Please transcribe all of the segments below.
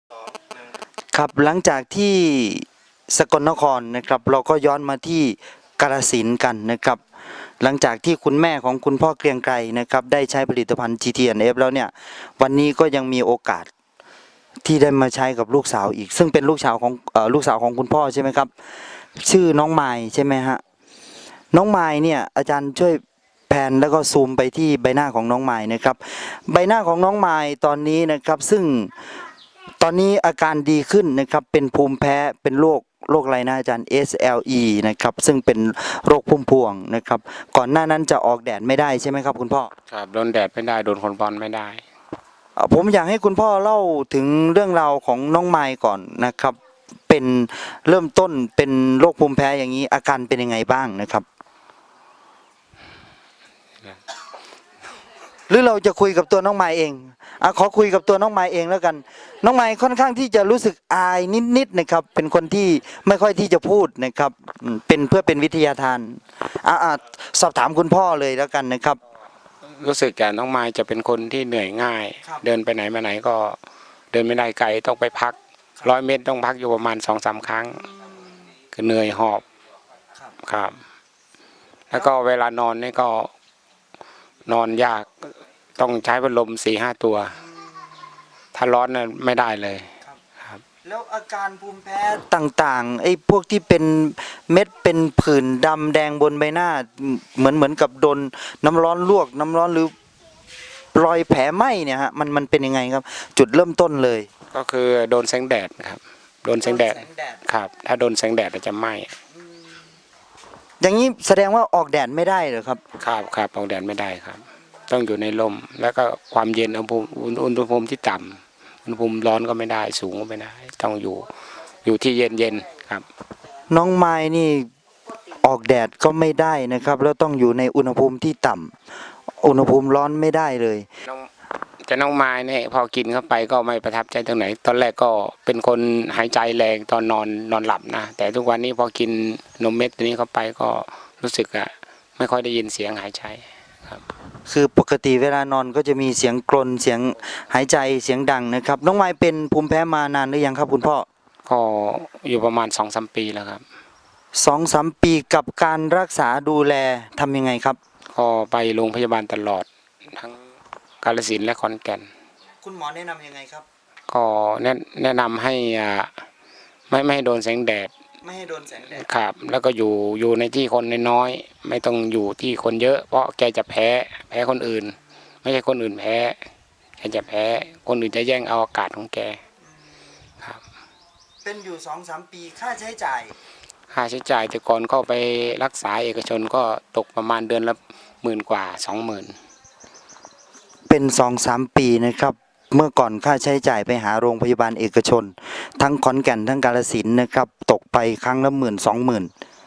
ครับหลังจากที่สกลนครนะครับเราก็ย้อนมาที่กาฬสินธุ์กันนะครับหลังจากที่คุณแม่ของคุณพ่อเกรียงไกรนะครับได้ใช้ผลิตภัณฑ์ GTNF แล้วเนี่ยวันนี้ก็ยังมีโอกาสที่ได้มาใช้กับลูกสาวอีกซึ่งเป็นลูกสาวของคุณพ่อใช่ไหมครับชื่อน้องไมล์ใช่ไหมฮะน้องไมล์เนี่ยอาจารย์ช่วยแผนแล้วก็ซูมไปที่ใบหน้าของน้องไมล์นะครับใบหน้าของน้องไมล์ตอนนี้นะครับซึ่งตอนนี้อาการดีขึ้นนะครับเป็นภูมิแพ้เป็นโรคอะไรนะอาจารย์ SLE นะครับซึ่งเป็นโรคพุ่มพวงนะครับก่อนหน้านั้นจะออกแดดไม่ได้ใช่ไหมครับคุณพ่อครับโดนแดดไม่ได้โดนคนบอลไม่ได้ผมอยากให้คุณพ่อเล่าถึงเรื่องราวของน้องไมล์ก่อนนะครับเป็นเริ่มต้นเป็นโรคภูมิแพ้อย่างนี้อาการเป็นยังไงบ้างนะครับหรือเราจะคุยกับตัวน้องไมล์เองขอคุยกับตัวน้องไมล์เองแล้วกันน้องไมล์ค่อนข้างที่จะรู้สึกอายนิดๆนะครับเป็นคนที่ไม่ค่อยที่จะพูดนะครับเป็นเพื่อเป็นวิทยาทานสอบถามคุณพ่อเลยแล้วกันนะครับรู้สึกแกน้องไม้จะเป็นคนที่เหนื่อยง่ายเดินไปไหนมาไหนก็เดินไม่ได้ไกลต้องไปพัก100 เมตรต้องพักอยู่ประมาณ2-3 ครั้งคือเหนื่อยหอบครับแล้วก็เวลานอนนี่ก็นอนยากต้องใช้พัดลม4-5 ตัวถ้าร้อนน่ะไม่ได้เลยแล้วอาการภูมิแพ้ต่างๆไอ้พวกที่เป็นเม็ดเป็นผื่นดำแดงบนใบหน้าเหมือนกับโดนน้ำร้อนลวกน้ำร้อนหรือรอยแผลไหม้เนี่ยฮะมันเป็นยังไงครับจุดเริ่มต้นเลยก็คือโดนแสงแดดครับโดนแสงแดดครับถ้าโดนแสงแดดจะไหม้อย่างนี้แสดงว่าออกแดดไม่ได้เหรอครับครับออกแดดไม่ได้ครับต้องอยู่ในร่มแล้วก็ความเย็นอุณหภูมิที่ต่ำอุณหภูมิร้อนก็ไม่ได้สูงก็ไม่ได้ต้องอยู่ที่เย็นครับน้องไม้นี่ออกแดดก็ไม่ได้นะครับแล้วต้องอยู่ในอุณหภูมิที่ต่ำอุณหภูมิร้อนไม่ได้เลยน้องไม้เนี่ยพอกินเข้าไปก็ไม่ประทับใจตรงไหนตอนแรกก็เป็นคนหายใจแรงตอนนอนหลับนะแต่ทุกวันนี้พอกินนมเม็ดตัวนี้เข้าไปก็รู้สึกไม่ค่อยได้ยินเสียงหายใจครับคือปกติเวลานอนก็จะมีเสียงกรนเสียงหายใจเสียงดังนะครับน้องไม้เป็นภูมิแพ้มานานหรือยังครับคุณพ่อก็อยู่ประมาณ2-3 ปีแล้วครับ 2-3 ปีกับการรักษาดูแลทำยังไงครับก็ไปโรงพยาบาลตลอดทั้งกาฬสินธุ์และขอนแก่นคุณหมอแนะนำยังไงครับก็แนะนำให้ไม่ให้โดนแสงแดดไม่ให้โดนแสงแดดครับแล้วก็อยู่ในที่คนน้อยๆไม่ต้องอยู่ที่คนเยอะเพราะแกจะแพ้คนอื่นไม่ใช่คนอื่นแพ้แกจะแพ้คนอื่นจะแย่งเอาอากาศของแกครับเป็นอยู่2-3 ปีค่าใช้จ่ายแต่ก่อนก็ไปรักษาเอกชนก็ตกประมาณเดือนละ10,000 กว่า 20,000 เป็น2-3 ปีนะครับเมื่อก่อนค่าใช้จ่ายไปหาโรงพยาบาลเอกชนทั้งขอนแก่นทั้งกาฬสินธุ์นะครับตกไปครั้งละ10,000-20,000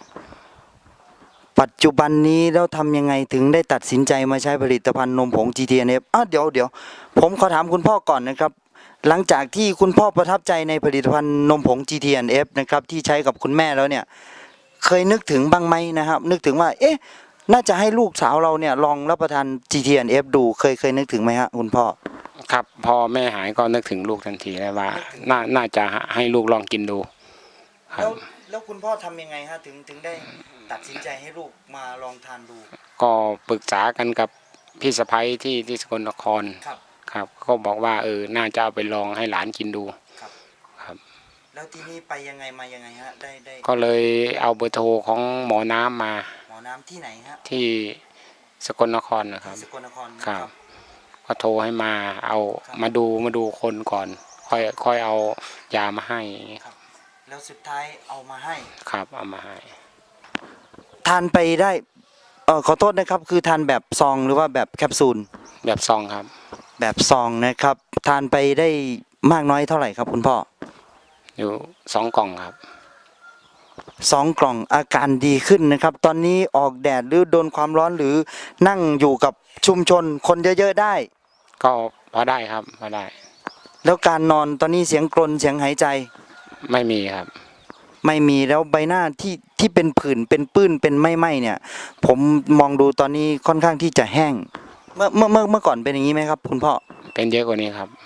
ปัจจุบันนี้แล้วทำยังไงถึงได้ตัดสินใจมาใช้ผลิตภัณฑ์นมผง GTNF เดี๋ยวผมขอถามคุณพ่อก่อนนะครับหลังจากที่คุณพ่อประทับใจในผลิตภัณฑ์นมผง GTNF นะครับที่ใช้กับคุณแม่แล้วเนี่ยเคยนึกถึงบ้างไหมนะครับนึกถึงว่าน่าจะให้ลูกสาวเราเนี่ยลองรับประทาน GTNF ดูเคยนึกถึงไหมฮะคุณพ่อครับพอแม่หายก็นึกถึงลูกทันทีเลยว่าน่าจะให้ลูกลองกินดูครับแล้วคุณพ่อทำยังไงฮะถึงได้ตัดสินใจให้ลูกมาลองทานดูก็ปรึกษากันกับพี่สะใภ้ที่สกลนครครับก็บอกว่าน่าจะเอาไปลองให้หลานกินดูครับแล้วทีนี้ไปยังไงมายังไงฮะได้ก็เลยเอาเบอร์โทรของหมอน้ำมาหมอน้ำที่ไหนฮะที่สกลนครนะครับสกลนครครับก็โทรให้มาเอามาดูคนก่อนค่อยเอายามาให้ครับแล้วสุดท้ายเอามาให้ครับเอามาให้ทานไปได้ขอโทษนะครับคือทานแบบซองหรือว่าแบบแคปซูลแบบซองครับแบบซองนะครับทานไปได้มากน้อยเท่าไหร่ครับคุณพ่ออยู่2 กล่องครับ 2 กล่องอาการดีขึ้นนะครับตอนนี้ออกแดดหรือโดนความร้อนหรือนั่งอยู่กับชุมชนคนเยอะๆได้ก็พอได้ครับพอได้แล้วการนอนตอนนี้เสียงกรนเสียงหายใจไม่มีครับไม่มีแล้วใบหน้าที่เป็นผื่นเป็นปื้นเป็นไหม้เนี่ยผมมองดูตอนนี้ค่อนข้างที่จะแห้งเมื่อก่อนเป็นอย่างนี้ไหมครับคุณพ่อเป็นเยอะกว่านี้ครับ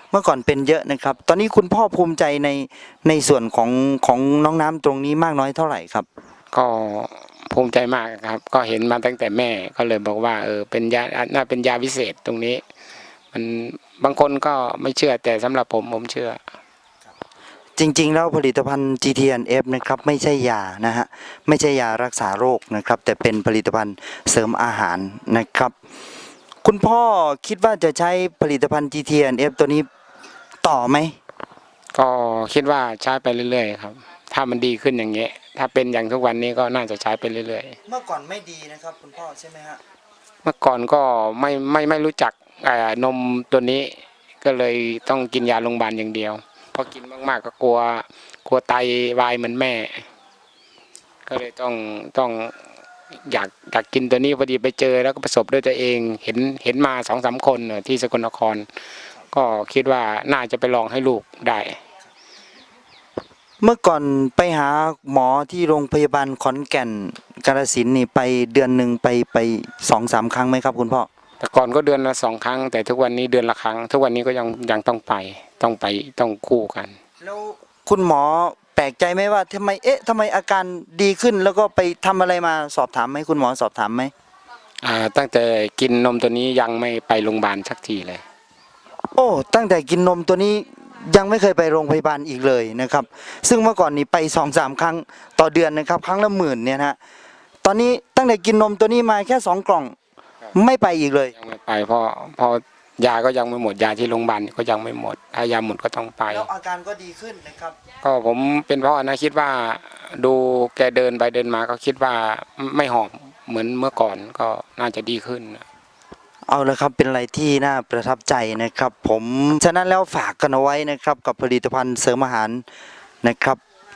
เมื่อก่อนเป็นเยอะนะครับ ตอนนี้คุณพ่อภูมิใจในส่วนของน้องน้ำตรงนี้มากน้อยเท่าไหร่ครับก็ภูมิใจมากครับ ก็เห็นมาตั้งแต่แม่ก็เลยบอกว่าเป็นยาน่าเป็นยาวิเศษตรงนี้ มันบางคนก็ไม่เชื่อแต่สำหรับผมเชื่อจริงๆแล้วผลิตภัณฑ์ GTNF นะครับไม่ใช่ยานะฮะไม่ใช่ยารักษาโรคนะครับ แต่เป็นผลิตภัณฑ์เสริมอาหารนะครับ คุณพ่อคิดว่าจะใช้ผลิตภัณฑ์ GTNF ตัวนี้ต่อไหมก็คิดว่าใช้ไปเรื่อยๆครับ ถ้ามันดีขึ้นอย่างเงี้ยถ้าเป็นอย่างทุกวันนี้ก็น่าจะใช้ไปเรื่อยๆเมื่อก่อนไม่ดีนะครับคุณพ่อใช่ไหมฮะเมื่อก่อนก็ไม่รู้จักนมตัวนี้ก็เลยต้องกินยาโรงพยาบาลอย่างเดียวพอกินมากๆก็กลัวไตวายเหมือนแม่ ก็เลยต้องอยากกินตัวนี้พอดีไปเจอแล้วก็ประสบด้วยตัวเองเห็นมา2-3 คนที่สกลนคร ก็คิดว่าน่าจะไปลองให้ลูกได้เมื่อก่อนไปหาหมอที่โรงพยาบาลขอนแก่นกาฬสินธุ์นี่ไปเดือนหนึ่งไป2-3 ครั้งไหมครับคุณพ่อแต่ก่อนก็เดือนละ2 ครั้ง แต่ทุกวันนี้เดือนละครั้ง ทุกวันนี้ก็ยังต้องต้องคู่กันแล้วคุณหมอแปลกใจไหมว่าทำไมอาการดีขึ้นแล้วก็ไปทำอะไรมาสอบถามไหมคุณหมอสอบถามไหมตั้งแต่กินนมตัวนี้ยังไม่ไปโรงพยาบาลสักทีเลยโอ้ตั้งแต่กินนมตัวนี้ยังไม่เคยไปโรงพยาบาลอีกเลยนะครับ ซึ่งเมื่อก่อนนี่ไป2-3 ครั้งต่อเดือนนะครับ ครั้งละ10,000เนี่ยนะฮะตอนนี้ตั้งแต่กินนมตัวนี้มาแค่2 กล่องไม่ไปอีกเลยยังไม่ไปเพราะยาก็ยังไม่หมดยาที่โรงพยาบาลก็ยังไม่หมด ถ้ายาหมดก็ต้องไปแล้วอาการก็ดีขึ้นนะครับก็ผมเป็นพ่อนะคิดว่าดูแกเดินไปเดินมาก็คิดว่าไม่หอบเหมือนเมื่อก่อนก็น่าจะดีขึ้นเอาละครับเป็นอะไรที่น่าประทับใจนะครับ ผมฉะนั้นแล้วฝากกันเอาไว้นะครับกับผลิตภัณฑ์เสริมอาหารนะครับ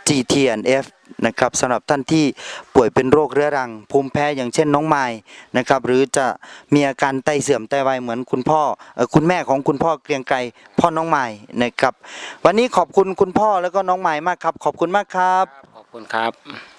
GTNF นะครับสำหรับท่านที่ป่วยเป็นโรคเรื้อรังภูมิแพ้อย่างเช่นน้องไม้นะครับหรือจะมีอาการไตเสื่อมไตวายเหมือนคุณแม่ของคุณพ่อเกรียงไกรพ่อน้องไม้นะครับวันนี้ขอบคุณคุณพ่อแล้วก็น้องไม้มากครับขอบคุณมากครับขอบคุณครับ